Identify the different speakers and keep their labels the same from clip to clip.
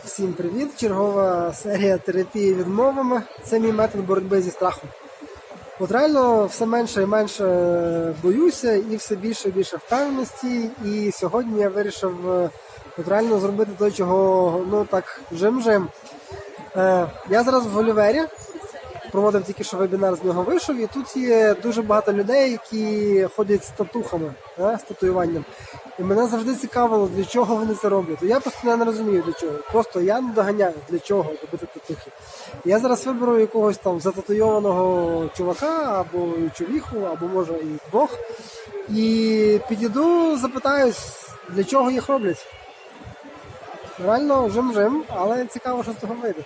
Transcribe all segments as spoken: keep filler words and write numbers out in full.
Speaker 1: Всім привіт! Чергова серія терапії відмовами. Це мій метод боротьби зі страхом. От реально все менше і менше боюся і все більше і більше впевненості. І сьогодні я вирішив от реально зробити те, чого, ну так, жим-жим. Е, я зараз в Олівері, проводив тільки що вебінар, з нього вийшов, і тут є дуже багато людей, які ходять з татухами, е, з татуюванням. І мене завжди цікавило, для чого вони це роблять. Я просто не розумію, для чого. Просто я не доганяю, для чого робити татухи. Я зараз виберу якогось там зататуйованого чувака, або човіху, або може і двох. І підійду, запитаюсь, для чого їх роблять. Реально жим-жим, але цікаво, що з того вийде.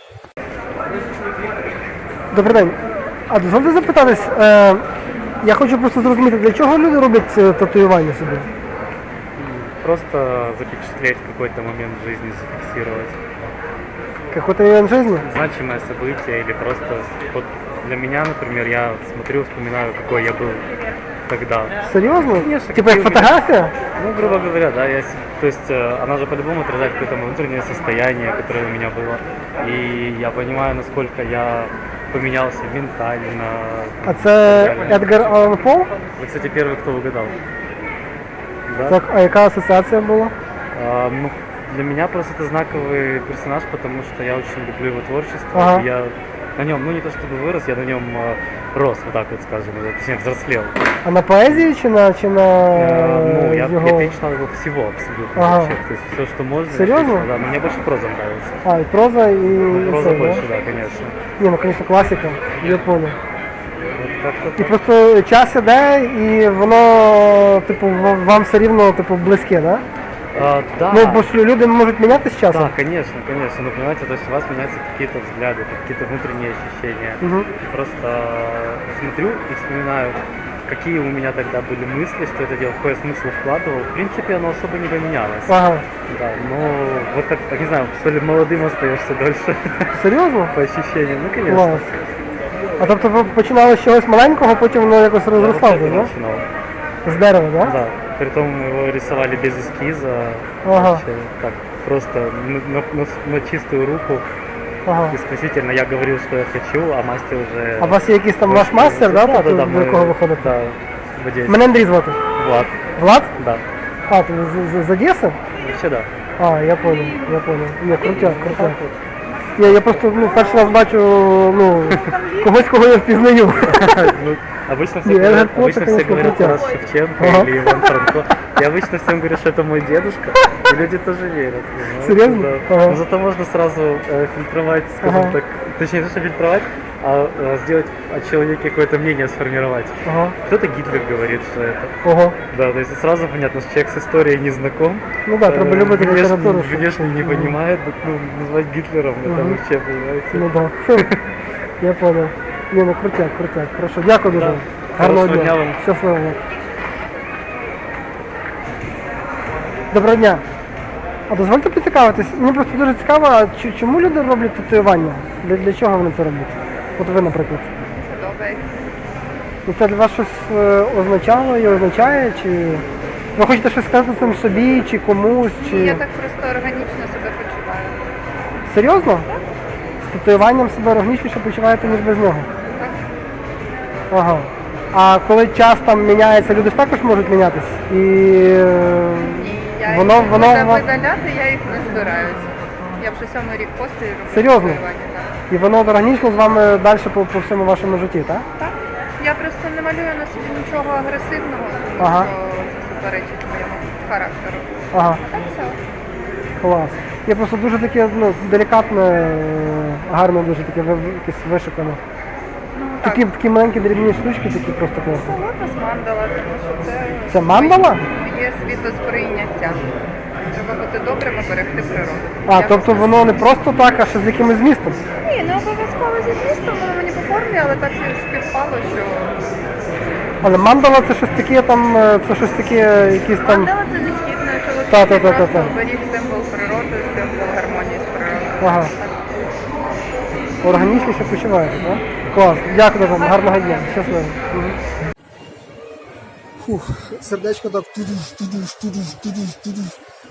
Speaker 1: Добрий день. А дозвольте запитатись, е, я хочу просто зрозуміти, для чого люди роблять татуювання собі?
Speaker 2: Просто запечатлеть какой-то момент в жизни, зафиксировать.
Speaker 1: Какой-то момент жизни?
Speaker 2: Значимое событие или просто... Вот для меня, например, я смотрю, вспоминаю, какой я был тогда.
Speaker 1: Серьезно?
Speaker 2: Конечно.
Speaker 1: Типа как фотография?
Speaker 2: Ну, грубо говоря, да. Я, то есть она же по-любому отражает какое-то внутреннее состояние, которое у меня было. И я понимаю, насколько я поменялся ментально.
Speaker 1: А це Едгар Аллан По?
Speaker 2: Вы, кстати, первый, кто угадал. Да?
Speaker 1: Так, а яка асоціація була?
Speaker 2: А, ну, для меня просто это знаковый персонаж, потому что я очень люблю его творчество.
Speaker 1: Ага.
Speaker 2: Я на нем, ну не то чтобы вырос, я на нем э, рос, вот так вот скажем, точнее взрослел.
Speaker 1: А на поезії чи на, чи на
Speaker 2: Э, ну, я,
Speaker 1: його?
Speaker 2: я перечитал его всего абсолютно.
Speaker 1: Ага.
Speaker 2: Вообще, то есть все, что можно.
Speaker 1: Серьезно?
Speaker 2: написано, Да, но мне больше проза нравится.
Speaker 1: А, і проза, і,
Speaker 2: Ну,
Speaker 1: і
Speaker 2: проза
Speaker 1: це,
Speaker 2: больше,
Speaker 1: да?
Speaker 2: да, конечно.
Speaker 1: Ні, ну, звісно, класика, я понял.
Speaker 2: Вот как-то
Speaker 1: І
Speaker 2: так.
Speaker 1: просто час іде, і воно, типу, в- вам все рівно, типу, близьке, да?
Speaker 2: А, да.
Speaker 1: Ну, бо ж люди можуть мінятися з часом.
Speaker 2: Да, конечно, конечно. Но понимаете, то есть у вас меняются какие-то взгляды, какие-то внутренние ощущения.
Speaker 1: Мгм.
Speaker 2: И просто смотрю и вспоминаю, какие у меня тогда были мысли, что это дело, какой я смысл вкладывал. В принципе, оно особо не поменялось.
Speaker 1: Ага.
Speaker 2: Да, но вот как, так не знаю, что ли молодым остаешься дольше
Speaker 1: Серйозно?
Speaker 2: по ощущениям. Ну, конечно.
Speaker 1: Клас. А тобто ви починали з чогось маленького, потім воно якось
Speaker 2: Я
Speaker 1: розрослося,
Speaker 2: вообще
Speaker 1: да?
Speaker 2: начинал.
Speaker 1: З дерева, да?
Speaker 2: Да. Притом его рисовали без эскиза.
Speaker 1: Ага.
Speaker 2: Вообще, так, просто на, на- на- на чистую руку.
Speaker 1: Ага.
Speaker 2: Исключительно я говорил, что я хочу, а мастер уже...
Speaker 1: А у вас є якийсь там ваш мастер, да,
Speaker 2: да,
Speaker 1: тобто,
Speaker 2: да, да,
Speaker 1: до
Speaker 2: мы-
Speaker 1: якого ви ходите?
Speaker 2: Да, в Одессе.
Speaker 1: Мене Андрій звати.
Speaker 2: Влад,
Speaker 1: Влад?
Speaker 2: да.
Speaker 1: А, ти з, з, з Одеси?
Speaker 2: Вообще да.
Speaker 1: А, я понял, я понял. Ні, крутяк, крутяк. Я, я просто ну, перший раз бачу ну, когось, кого я впізнаю.
Speaker 2: Ну, обычно все
Speaker 1: Не,
Speaker 2: говорят,
Speaker 1: Гарри Поттер,
Speaker 2: обычно все
Speaker 1: конечно,
Speaker 2: говорят
Speaker 1: крутяк.
Speaker 2: Тарас Шевченко
Speaker 1: Ага.
Speaker 2: или Иван Франко. Я обычно всем говорю, что это мой дедушка, и люди тоже верят. понимаете,
Speaker 1: Серьезно?
Speaker 2: Да.
Speaker 1: Ага.
Speaker 2: Но зато можно сразу э, фильтровать, скажем
Speaker 1: Ага.
Speaker 2: так, точнее, не то, что фильтровать, а э, сделать о человеке какое-то мнение сформировать.
Speaker 1: Ага.
Speaker 2: Кто-то Гитлер говорит, что это.
Speaker 1: Ого.
Speaker 2: Да, то есть сразу понятно, что человек с историей не знаком.
Speaker 1: Ну да, треба
Speaker 2: э,
Speaker 1: любити
Speaker 2: внешне,
Speaker 1: літературу. щоб-
Speaker 2: внешне не
Speaker 1: Мгм.
Speaker 2: понимает, ну, назвать Гитлером, это
Speaker 1: Мгм.
Speaker 2: вообще, понимаете.
Speaker 1: Ну да. Я понял. Ні, ну крутяк, крутяк. Хорошо, дякую дуже.
Speaker 2: Да.
Speaker 1: Гарного
Speaker 2: Хорошого
Speaker 1: дня.
Speaker 2: дня вам.
Speaker 1: Щасливо. Доброго дня. А дозвольте поцікавитись, мені просто дуже цікаво, а чи- чому люди роблять татуювання? Для, для чого вони це роблять? От ви, наприклад.
Speaker 3: Подобається.
Speaker 1: І це для вас щось е, означало і означає, чи ви хочете щось сказати цим собі, чи комусь, чи...
Speaker 3: Ні, я так просто органічно себе почуваю.
Speaker 1: Серйозно? З татуюванням себе органічніше почуваєте, ніж без нього?
Speaker 3: Так?
Speaker 1: Ага. А коли час там міняється, люди ж також можуть мінятись. І е,
Speaker 3: Ні, я
Speaker 1: воно,
Speaker 3: їх
Speaker 1: воно,
Speaker 3: буде
Speaker 1: ва-
Speaker 3: видаляти, я їх не збираюся. Я вже сьомий рік поспіль роблю
Speaker 1: Серйозно?
Speaker 3: татуювання, так.
Speaker 1: і воно органічно з вами далі по, по всьому вашому житті, так?
Speaker 3: Так. Я просто не малюю на собі нічого агресивного, тому
Speaker 1: Ага.
Speaker 3: що це суперечить моєму характеру.
Speaker 1: Ага,
Speaker 3: А так все.
Speaker 1: клас. Я просто дуже таке ну, делікатне, е, гарне, дуже таке ви- ви- якесь вишукане.
Speaker 3: Ну, так.
Speaker 1: Такі, такі маленькі дрібні штучки, такі просто класні.
Speaker 3: Солодка з мандала, тому що це...
Speaker 1: Це мандала?
Speaker 3: Є світосприйняття. Треба бути добрим і берегти природу.
Speaker 1: А,
Speaker 3: Я
Speaker 1: тобто воно не просто так, а ще з якимось змістом.
Speaker 3: Ні, не обов'язково зі змістом, воно мені по формі, але так співпало, що
Speaker 1: Але мандала це щось таке там, е, це щось таке, якісь там.
Speaker 3: мандала це зі східної
Speaker 1: Та, та,
Speaker 3: філософії,
Speaker 1: та, та,
Speaker 3: просто
Speaker 1: та.
Speaker 3: оберіг символ природи, символ гармонії з природою.
Speaker 1: Ага. Органічніше почуваєте, так? Клас. Дякую вам, гарного дня. Щасливо. Фух, сердечко так тудуш, тудуш, тудуш, тудуш, тудуш.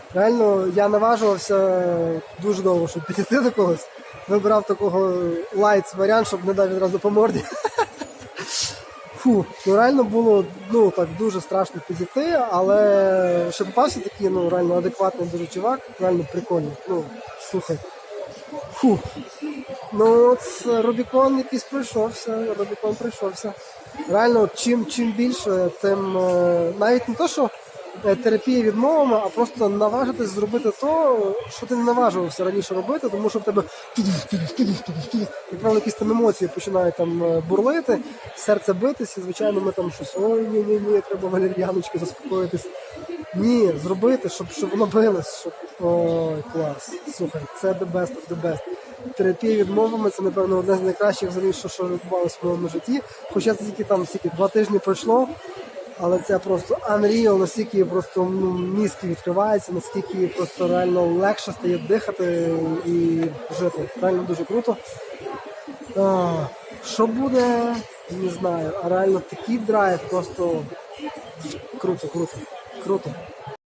Speaker 1: Реально, я наважувався дуже довго, щоб підійти до когось. Вибирав такого лайт варіант, щоб не дав відразу по морді. Фу, ну реально було ну так дуже страшно підійти, але ще попався такий ну реально адекватний дуже чувак, реально прикольний. Ну, слухай. Фу. Ну от Рубікон якийсь пройшовся, Рубікон пройшовся. Реально, от чим чим більше, тим е, навіть не то, що е, терапія відмовами, а просто наважитись зробити то, що ти не наважувався раніше робити, тому що в тебе як правило, якісь там емоції починають там е, бурлити, серце битись, і звичайно ми там щось, ой, ні, ні, ні, треба валер'яночки заспокоїтись. Ні, зробити, щоб, щоб воно билось, щоб... Ой, клас. Слухай, це the best of the best. Терапія відмовами це, напевно, одне з найкращих взагалі, що, що відбувалося в моєму житті. Хоча це тільки там стільки два тижні пройшло, але це просто unreal, наскільки просто ну, мізки відкриваються, наскільки просто реально легше стає дихати і жити. Реально дуже круто. А, що буде, не знаю, а реально такий драйв просто круто, круто, круто.